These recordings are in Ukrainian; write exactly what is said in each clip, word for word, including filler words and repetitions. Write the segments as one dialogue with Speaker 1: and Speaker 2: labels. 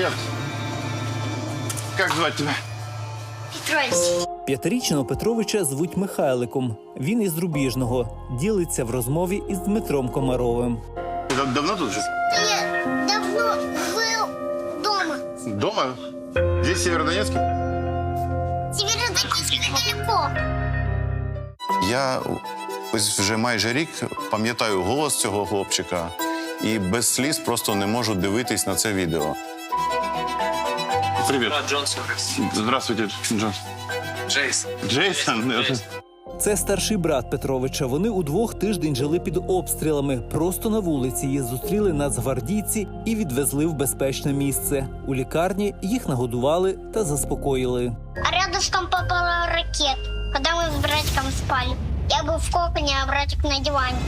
Speaker 1: Привет. Как звать тебя?
Speaker 2: Петрович.
Speaker 3: П'ятирічного Петровича звуть Михайликом. Він із Рубіжного. Ділиться в розмові із Дмитром Комаровим.
Speaker 1: Ты дав- давно тут же?
Speaker 2: Я давно был дома.
Speaker 1: Дома? Здесь Северодонецкий?
Speaker 2: Северодонецк недалеко.
Speaker 4: Я ось вже майже рік пам'ятаю голос цього хлопчика і без сліз просто не можу дивитись на це відео.
Speaker 1: Привет.
Speaker 5: Джонсон.
Speaker 1: Здравствуйте, Джон.
Speaker 5: Джейсон.
Speaker 1: Джейсон?
Speaker 3: Це старший брат Петровича. Вони удвох тиждень жили під обстрілами. Просто на вулиці їх зустріли нацгвардійці і відвезли в безпечне місце. У лікарні їх нагодували та заспокоїли.
Speaker 2: А рядышком попала ракета, когда мы с братиком спали. Я был в коконе, а братик на диване.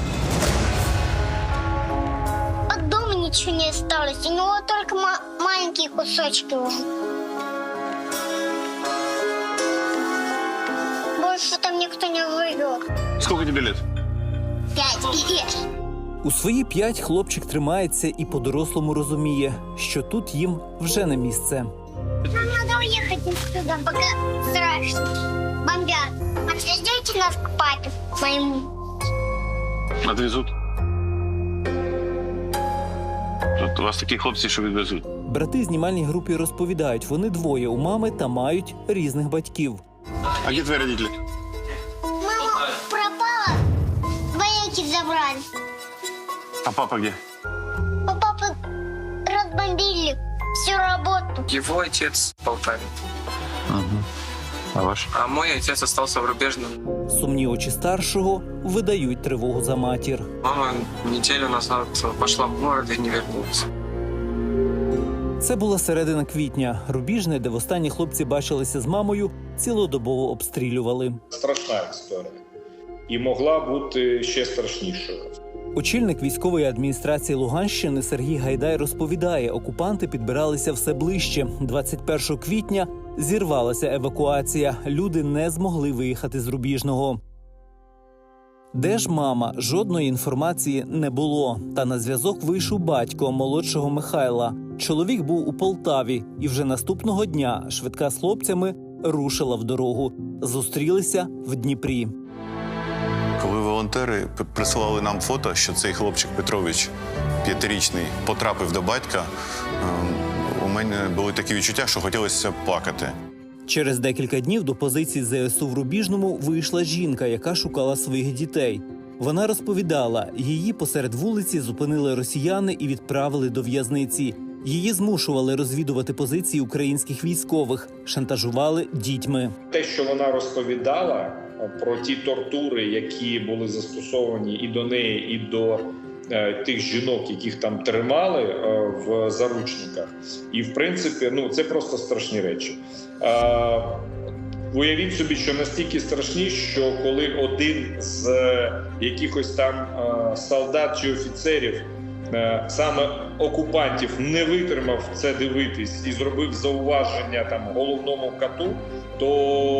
Speaker 2: От дома ничего не осталось. У него только ма- маленькие кусочки уже. Больше там никто не живет.
Speaker 1: Сколько тебе лет?
Speaker 2: Пять лет.
Speaker 3: У свої п'ять хлопчик тримається і по-дорослому розуміє, що тут їм вже не місце.
Speaker 2: Нам надо уехать отсюда, пока страшно. Бомбят. Отвезете нас к папе моему?
Speaker 1: Отвезут. Тут у вас такі хлопці, що відвезуть.
Speaker 3: Брати знімальній групі розповідають, вони двоє у мами та мають різних батьків.
Speaker 1: А где твои родители?
Speaker 2: Мама пропала, вояки забрали.
Speaker 1: А папа где?
Speaker 2: У папы разбомбили всю работу.
Speaker 5: Его отец в Полтаве,
Speaker 1: А ваш?
Speaker 5: а мой отец остался в Рубежном.
Speaker 3: Сумні очі старшого видають тривогу за матір.
Speaker 5: Мама неделю назад пошла в город и не вернулась.
Speaker 3: Це була середина квітня. Рубіжне, де востаннє хлопці бачилися з мамою, цілодобово обстрілювали.
Speaker 6: Страшна історія. І могла бути ще страшнішою.
Speaker 3: Очільник військової адміністрації Луганщини Сергій Гайдай розповідає, окупанти підбиралися все ближче. двадцять першого квітня зірвалася евакуація. Люди не змогли виїхати з Рубіжного. Де ж мама? Жодної інформації не було. Та на зв'язок вийшов батько молодшого Михайла. Чоловік був у Полтаві, і вже наступного дня швидка з хлопцями рушила в дорогу. Зустрілися в Дніпрі.
Speaker 4: Коли волонтери п- присилали нам фото, що цей хлопчик Петрович, п'ятирічний, потрапив до батька, ем, у мене були такі відчуття, що хотілося плакати.
Speaker 3: Через декілька днів до позиції зе ес у в Рубіжному вийшла жінка, яка шукала своїх дітей. Вона розповідала, її посеред вулиці зупинили росіяни і відправили до в'язниці. Її змушували розвідувати позиції українських військових, шантажували дітьми.
Speaker 6: Те, що вона розповідала про ті тортури, які були застосовані і до неї, і до е, тих жінок, яких там тримали е, в заручниках. І, в принципі, ну, це просто страшні речі. Е, Уявіть собі, що настільки страшні, що коли один з е, якихось там е, солдат чи офіцерів, е, саме окупантів, не витримав це дивитись і зробив зауваження там головному кату, то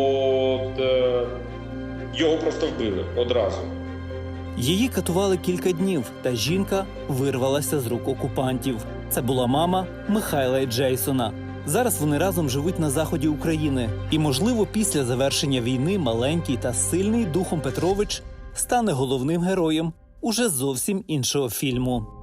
Speaker 6: е, його просто вбили одразу.
Speaker 3: Її катували кілька днів, та жінка вирвалася з рук окупантів. Це була мама Михайла і Джейсона. Зараз вони разом живуть на заході України. І, можливо, після завершення війни маленький та сильний духом Петрович стане головним героєм уже зовсім іншого фільму.